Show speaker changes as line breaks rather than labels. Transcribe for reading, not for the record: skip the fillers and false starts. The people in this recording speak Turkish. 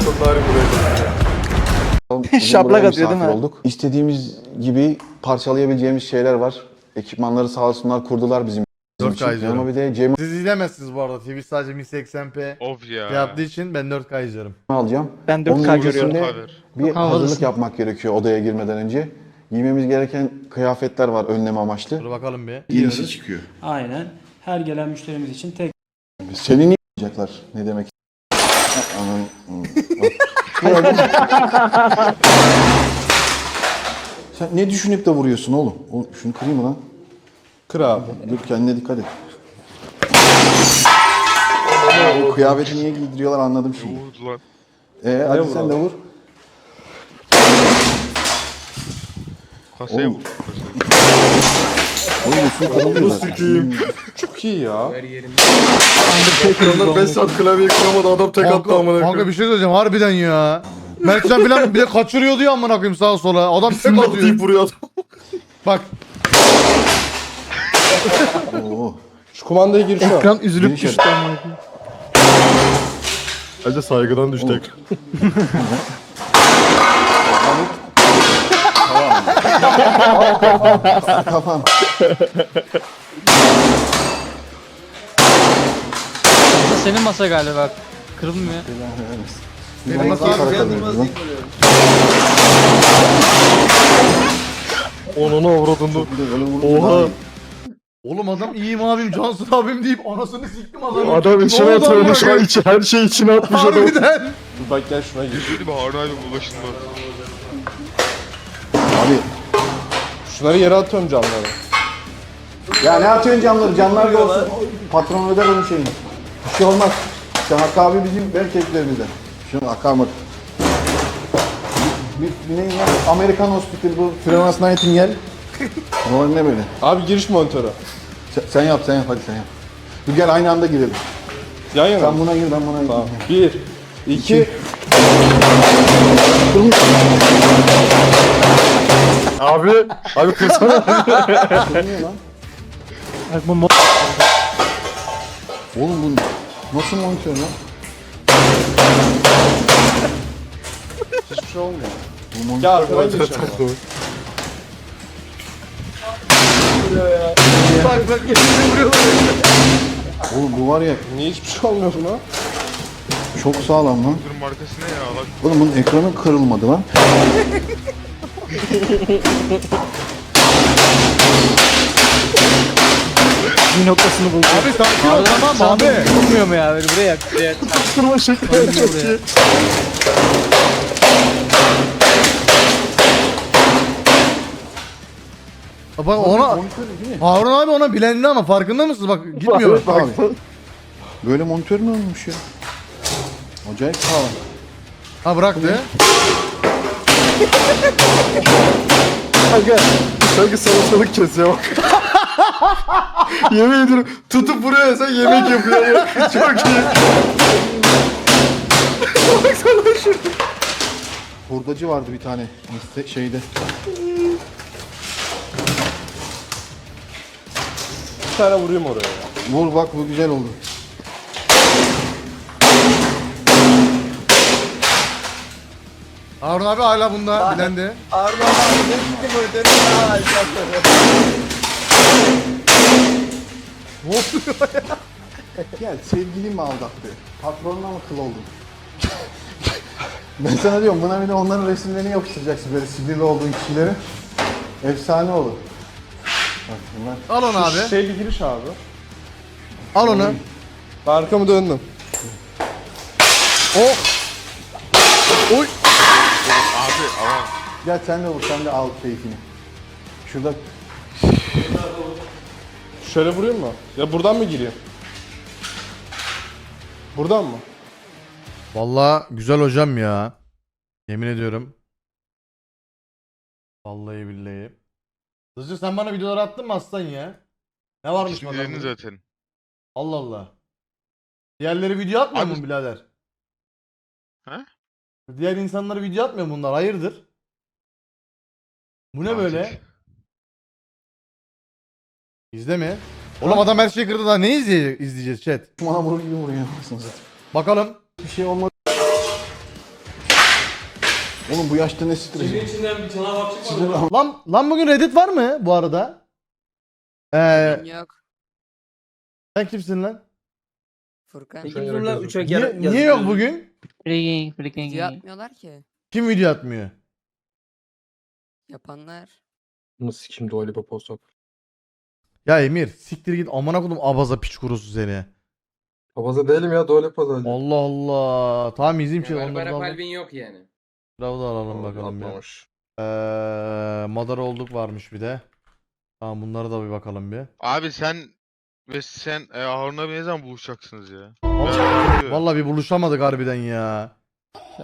sonları buraya.
Şaplak atıyor değil mi?
Olduk. İstediğimiz gibi parçalayabileceğimiz şeyler var. Ekipmanları sağ olsunlar kurdular bizim
4K
için.
izliyorum.
Ama bir de Cem'i
Siz izlemezsiniz bu arada. TV sadece 1080p
Of ya.
yaptığı için ben 4K izliyorum.
alacağım.
Ben
Onun
4K görüyorum.
öncesinde
Haber.
bir
Havalısın.
hazırlık yapmak gerekiyor odaya girmeden önce. Giymemiz gereken kıyafetler var önlem amaçlı.
Dur bakalım bir.
Yenisi çıkıyor.
Aynen. Her gelen müşterimiz için tek
Seni niye yapacaklar? Ne demek? Anam. Sen ne düşünüp de vuruyorsun oğlum? Şunu kırayım mı lan?
Kır abi.
Dur kendine dikkat et. O kıyafeti niye giydiriyorlar anladım şimdi.
Vurdu lan.
Hadi
vur
sen
abi?
de vur.
Kasaya
Oğlum.
vur.
Oğlum üstüne kırılıyor zaten.
Çok iyi ya.
Undertaker'ın
Onlar 5 saat klavyeyi kıramadı adam tek attı amına
Kanka
koyayım.
bir şey söyleyeceğim harbiden ya. Mertcan filan bir de kaçırıyordu ya amına koyayım sağa sola. Adam tek
Tek
atıyor.
deyip vuruyor adam.
Bak
Oo.
Şu kumandaya gir şu an.
Ekran üzülüp
Giriş
düştü ama.
Bence saygıdan düştü ekran.
Kafam.
Senin masa galiba. Kırılmıyor.
benim masa
Onunu avradını. Oha.
Oğlum adam iyiyim abim Cansın abim deyip anasını siktim adamı.
Adam
Ne
içine
oldu
atıyor
amına
şu an
koyayım?
her şey içine atmış adam.
Harbiden.
Dur bak gel şuna gir.
Dedi mi Harun abi bulaşılmaz.
Abi
Şunları yere atıyorum camları.
ya ne atıyorsun camları? Camlar da olsun. Patron öder onun şeyini. Bir şey olmaz. İşte Hakkı abi bizim erkeklerimizden. Şunu akarmadı. Bir ne ya? Amerikan Hospital bu. Florence Nightingale. O ne böyle?
Abi giriş monitörü.
Sen yap hadi sen yap. Dur gel aynı anda girelim.
Yan yana.
Sen buna gir ben buna gir.
Tamam. 1, 2. Abi kırsana.
Sönüyor lan.
Bak bu
Oğlum bu nasıl monitör lan?
Hiçbir şey olmuyor.
Bu monitör.
Gel arkadan geç ama.
Bak bak elini vuruyorlar.
Oğlum bu var ya
Niye hiçbir şey olmuyor buna?
çok sağlam lan.
Bunun markası ne ya? Lan
Oğlum bunun ekranı kırılmadı lan.
bir noktasını buldu.
Abi sakin ol tamam abi.
Vurmuyor mu ya böyle buraya? Buraya.
Kırma şekli çok iyi.
Bak ona Harun abi ona bilendi ama farkında mısınız? Bak gitmiyor.
Abi. Böyle monitör mü olmuş ya? Acayip sağlam.
Ha bıraktı.
Kanka sanki salatalık kesiyor bak. Yemin ediyorum tutup vuruyor sen yemek yapıyor. Çok iyi. Baksana şurada.
Hurdacı vardı bir tane şeyde.
Bir tane vurayım oraya ya.
Vur bak bu güzel oldu.
Harun abi hala bunda bilendi. Ne oluyor ya?
Gel sevgilin mi aldattı? Patronuna mı kıl oldun? Ben sana diyorum buna bir de onların resimlerini yapıştıracaksın böyle sinirli olduğun kişileri. Efsane olur. Bak bunlar.
Al onu abi.
Şey bir giriş abi.
Al onu.
Ben arkamı döndüm.
O. Oy.
abi aman.
Gel sen de vur sen de al keyfini. Şurada
Şöyle vurayım mı? Ya buradan mı gireyim? Buradan mı?
Vallahi güzel hocam ya. Yemin ediyorum. Vallahi billahi. Hızlı sen bana videolar attın mı aslan ya? Ne varmış
İsmi
bakalım?
dedin zaten.
Allah Allah. Diğerleri video atmıyor
Abi-
mu birader?
He?
Diğer insanlara video atmıyor bunlar. Hayırdır? Bu ne
Tatil.
böyle? İzle mi? Oğlum adam her şeyi kırdı daha ne izleyeceğiz chat?
bana vurur gibi vuruyor. Anasını satayım.
Bakalım.
Bir şey olmadı. Oğlum bu yaşta ne stresi?
içinden bir canavar çıkmadı.
Lan bugün Reddit var mı bu arada?
Yok.
Sen kimsin lan?
Furkan.
Peki dur lan uçak
Niye yok bugün?
Freaking.
Video atmıyorlar ki.
Kim video atmıyor?
Yapanlar.
Nasıl kim Dua Lipa post at?
Ya Emir siktir git amına kodum abaza piç kurusu seni.
Babaza değilim ya Dua Lipa zaten.
Allah Allah. Tamam izleyeyim şimdi onları da alalım.
Kalbin yok yani.
Bravo da alalım bakalım ya.
Atmamış.
Madara olduk varmış bir de. Tamam bunlara da bir bakalım bir.
Abi sen ve sen Harun abi ne zaman buluşacaksınız ya?
Vallahi,
Merak ediyorum.
vallahi bir buluşamadık harbiden ya.